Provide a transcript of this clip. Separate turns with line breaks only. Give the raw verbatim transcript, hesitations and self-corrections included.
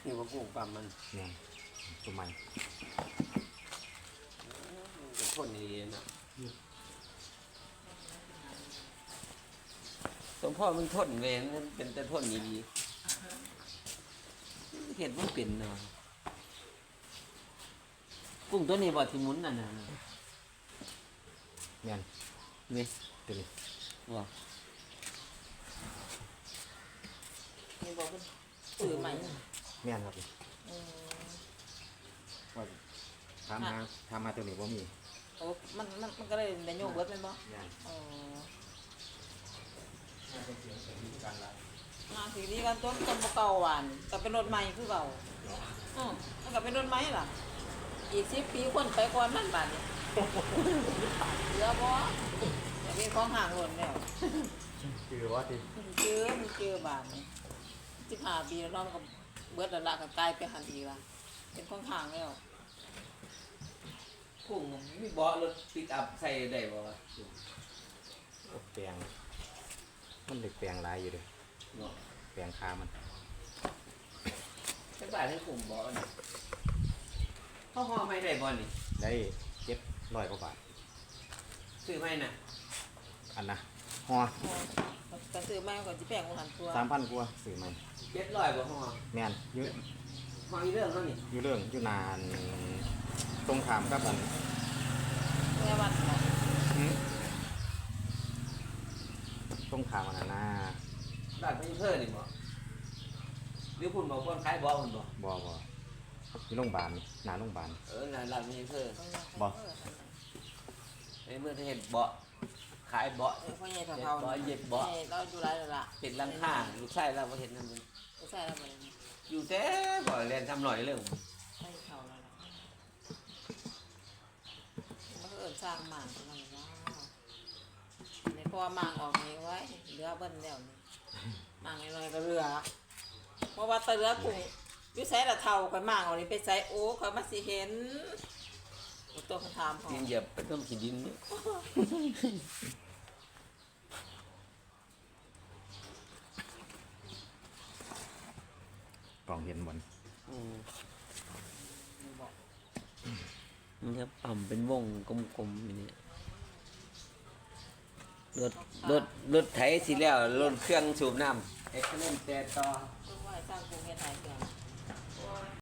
นี่ว่ากุ้งปั๊มมัน
เนี่ยตัวใหม่
เป็นทนดีนะสมพ่อมันทนเวนเป็นแต่ทนดีเห็ดมันเป็นเนาะกุ้งตัวนี้บ่ที่หมุนนั่นน่ะ
เนี่ย
นี่
ตัวนี้
บ่
นี่บอกว่าซื้อใหม่
เนี่ยครับ
อืม
ว่าทำมาทำมาตัวนี้บ่มี
โอ้มันมันมันก็เลยได้โยกเบิดแม่นบ่
เนี่ย
อ๋อ
น่าจะเสียงเสียงดีกันละ
มาสีนี้กันต้นต้นบ่เก่าหวานก็เป็นรถใหม่คือเก่าอือมันก็เป็นรถใหม่ล่ะอีกสิบปีคนไปก่อนมันบาดนี้เหลือบ่อย่าเป็นของห่างหล่นแล้ว
คือว่าที่
เจอมันเจอบาดนี้สิบห้าปีแล้วเนาะมันก็เบิดแล้วล่ะก็กลายไปหันอีกล่ะเป็นของห่างแล้ว
กุ้งมีเบาะรถปิกอัพใส่ได้บ่วะ
แปลงมันเด็กแปลงลายอยู่เลย
เนาะ
แปลงคามัน
จักบาทให้กุ้งเบาะนี่เขาห่อไม่ได้บ่นี่
ได้เจ็ดร้อยกว่าบาท
ซื้อไม่น่ะ
อันนะฮอ
ก็ซื้อใหม่ก็สิแพงกว่าหันตัว
สามพันกว่าซื้อมัน
เจ็ดร้อยบ่ห่อ
แม่นอยู่
ห่ออีเรื่องเขานี่
อยู่เรื่องอยู่นานตรงขามกับอัน
แม่วัดเนาะ
หืมตรงขามอันนั้นนะ
ร้านไม่เพิ่นนี่บ่หรือคุณบอกคนขายบ่คุณบ่
บ่บ่อยู่โรงพยาบาลหน้าโรงพยาบาล
เออร้านร้านไม่เพิ่น
บ่
ในเมื่อที่เห็นเบาะขายเบาะ
เออพ่อใหญ่เฒ่าๆ
เบาะเย็บเบาะ
เราอยู่ไรแล้วล่ะ
เป็นหลังคาลูกชายเราบ่เห็นนั่นมัน
ไม่ใช่แล้วมัน
อยู่แต่บ่เรียนทำหน่อยเรื่อง
ใช่เขาแล้วล่ะมันก็เอิญสร้างหมางนั่นว้าวในพอหมางออกนี้ไว้เรือเบิ้ลแล้วนี่หมางน้อยๆก็เรือเพราะว่าตะเรือกุ้งอยู่ใส่ละเท่าข่อยหมางออกนี้ไปใส่โอ้ข่อยมาสิเห็นตัวคำถามของ
ดินเหยียบเป็นต้นขี้ดินนี่
กล่องเห็นบน
อืม
บอก
มันจะปั่มเป็นวงกลมๆอย่างนี้รถรถรถไถสิแล้วรถเครื่องสูบน้ำเอ็กซ์เลนแต่ต่อ
เพื่อว่าให้สร้างกุ้งเฮ็ดไทยเกิน